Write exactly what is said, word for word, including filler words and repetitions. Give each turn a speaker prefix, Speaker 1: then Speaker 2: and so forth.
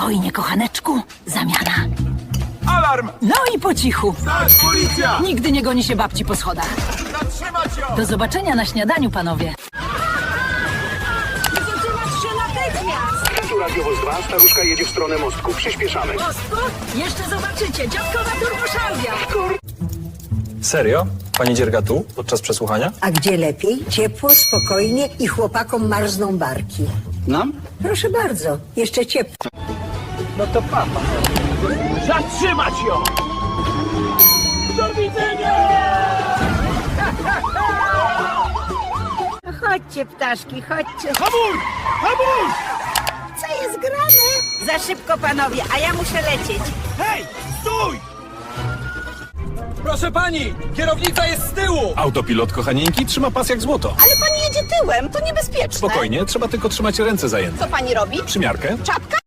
Speaker 1: Spokojnie, kochaneczku. Zamiana.
Speaker 2: Alarm!
Speaker 1: No i po cichu.
Speaker 2: Tak, policja!
Speaker 1: Nigdy nie goni się babci po schodach.
Speaker 2: Zatrzymać ją!
Speaker 1: Do zobaczenia na śniadaniu, panowie.
Speaker 3: Zatrzymać się natychmiast!
Speaker 4: Tu radiowóz dwa, staruszka jedzie w stronę mostku. Przyspieszamy.
Speaker 1: Mostku? Jeszcze zobaczycie. Dziadkowa turboszarbia.
Speaker 5: Serio? Pani dzierga tu, podczas przesłuchania?
Speaker 6: A gdzie lepiej? Ciepło, spokojnie i chłopakom marzną barki.
Speaker 4: Nam?
Speaker 6: Proszę bardzo, jeszcze ciepło.
Speaker 2: Zatrzymać ją! Do widzenia!
Speaker 3: Chodźcie, ptaszki, chodźcie.
Speaker 2: Hamuj! Hamuj!
Speaker 3: Co jest grane? Za szybko, panowie, a ja muszę lecieć.
Speaker 2: Hej! Stój! Proszę pani! Kierownica jest z tyłu!
Speaker 5: Autopilot, kochanieńki, trzyma pas jak złoto.
Speaker 3: Ale pani jedzie tyłem, to niebezpieczne.
Speaker 5: Spokojnie, trzeba tylko trzymać ręce zajęte.
Speaker 3: Co pani robi?
Speaker 5: Przymiarkę?
Speaker 3: Czapka?